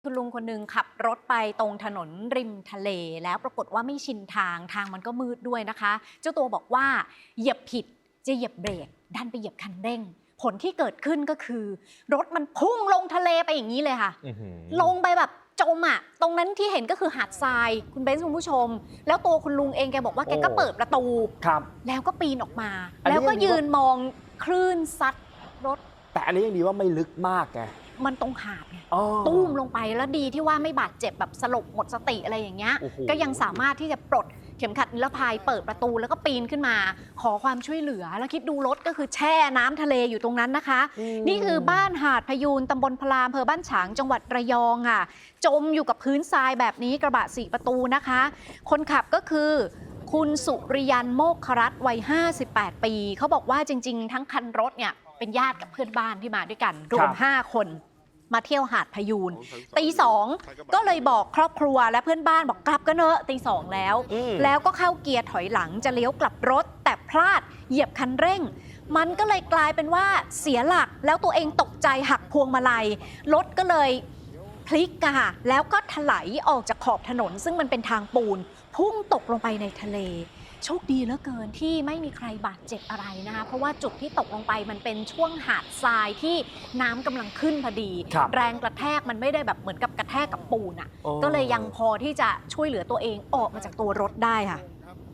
คุณลุงคนหนึ่งขับรถไปตรงถนนริมทะเลแล้วปรากฏว่าไม่ชินทางมันก็มืดด้วยนะคะ เจ้าตัวบอกว่าเหยียบผิดจะเหยียบเบรกดันไปเหยียบคันเร่งผลที่เกิดขึ้นก็คือรถมันพุ่งลงทะเลไปอย่างนี้เลยค่ะลงไปแบบจมอ่ะตรงนั้นที่เห็นก็คือหาดทรายคุณเบนซ์คุณผู้ชมแล้วตัวคุณลุงเองแกบอกว่าแกก็เปิดประตูแล้วก็ปีนออกมาแล้วก็ยืนมองคลื่นซัดรถแต่อันนี้ยังดีว่าไม่ลึกมากไงมันตรงหาดไงตุ้มลงไปแล้วดีที่ว่าไม่บาดเจ็บแบบสลบหมดสติอะไรอย่างเงี้ยก็ยังสามารถที่จะปลดเข็มขัดนิรภัยเปิดประตูแล้วก็ปีนขึ้นมาขอความช่วยเหลือแล้วคิดดูรถก็คือแช่น้ำทะเลอยู่ตรงนั้นนะคะนี่คือบ้านหาดพยูนตำบลพลามอำเภอบ้านฉางจังหวัดระยองค่ะจมอยู่กับพื้นทรายแบบนี้กระบะ4ประตูนะคะคนขับก็คือคุณสุริยันโมกขรัตน์วัย58 ปีเขาบอกว่าจริงๆทั้งคันรถเนี่ยเป็นญาติกับเพื่อนบ้านที่มาด้วยกันรวม5 คนมาเที่ยวหาดพยูนตี 2ก็เลยบอกครอบครัวและเพื่อนบ้านบอกกลับกันเนอะตี 2แล้วก็เข้าเกียร์ถอยหลังจะเลี้ยวกลับรถแต่พลาดเหยียบคันเร่งมันก็เลยกลายเป็นว่าเสียหลักแล้วตัวเองตกใจหักพวงมาลัยรถก็เลยพลิกค่ะแล้วก็ถลายออกจากขอบถนนซึ่งมันเป็นทางปูนพุ่งตกลงไปในทะเลโชคดีเหลือเกินที่ไม่มีใครบาดเจ็บอะไรนะคะเพราะว่าจุดที่ตกลงไปมันเป็นช่วงหาดทรายที่น้ำกำลังขึ้นพอดีแรงกระแทกมันไม่ได้แบบเหมือนกับกระแทกกับปูนอ่ะก็เลยยังพอที่จะช่วยเหลือตัวเองออกมาจากตัวรถได้ค่ะ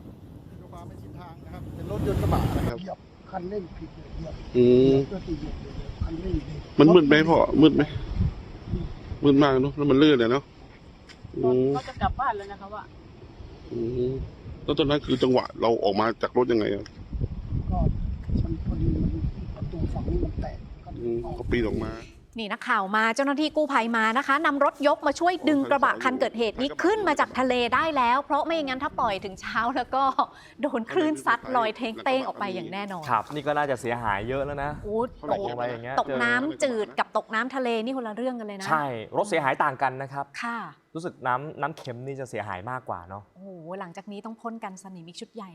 เป็นรถยนต์กระบะนะครับเหยียบคันเร่งผิดเหยียบเพื่อที่เหยียบคันเร่งมันมืดไหมพ่อมืดไหมมืดมากเนาะแล้วมันลื่นเลยเนาะเขาจะกลับบ้านแล้วนะคะว่าแล้วตอนนั้นคือจังหวะเราออกมาจากรถยังไงครับก็มันพอดีมันประตูฝั่งนี้มันแตกก็ปีนออกมานี่นักข่าวมาเจ้าหน้าที่กู้ภัยมานะคะนำรถยกมาช่วยดึงกระบะคันเกิดเหตุนี้ขึ้นมาจากทะเลได้แล้วเพราะไม่อย่างนั้นถ้าปล่อยถึงเช้าแล้วก็โดนคลื่นซัดลอยเท้งเต้งออกไปอย่างแน่นอนครับนี่ก็น่าจะเสียหายเยอะแล้วนะตกอะไรอย่างเงี้ยตกน้ำจืดกับตกน้ำทะเลนี่คนละเรื่องกันเลยนะใช่รถเสียหายต่างกันนะครับค่ะรู้สึกน้ำเค็มนี่จะเสียหายมากกว่าเนาะโอ้โหหลังจากนี้ต้องพ่นกันสนิมอีกชุดใหญ่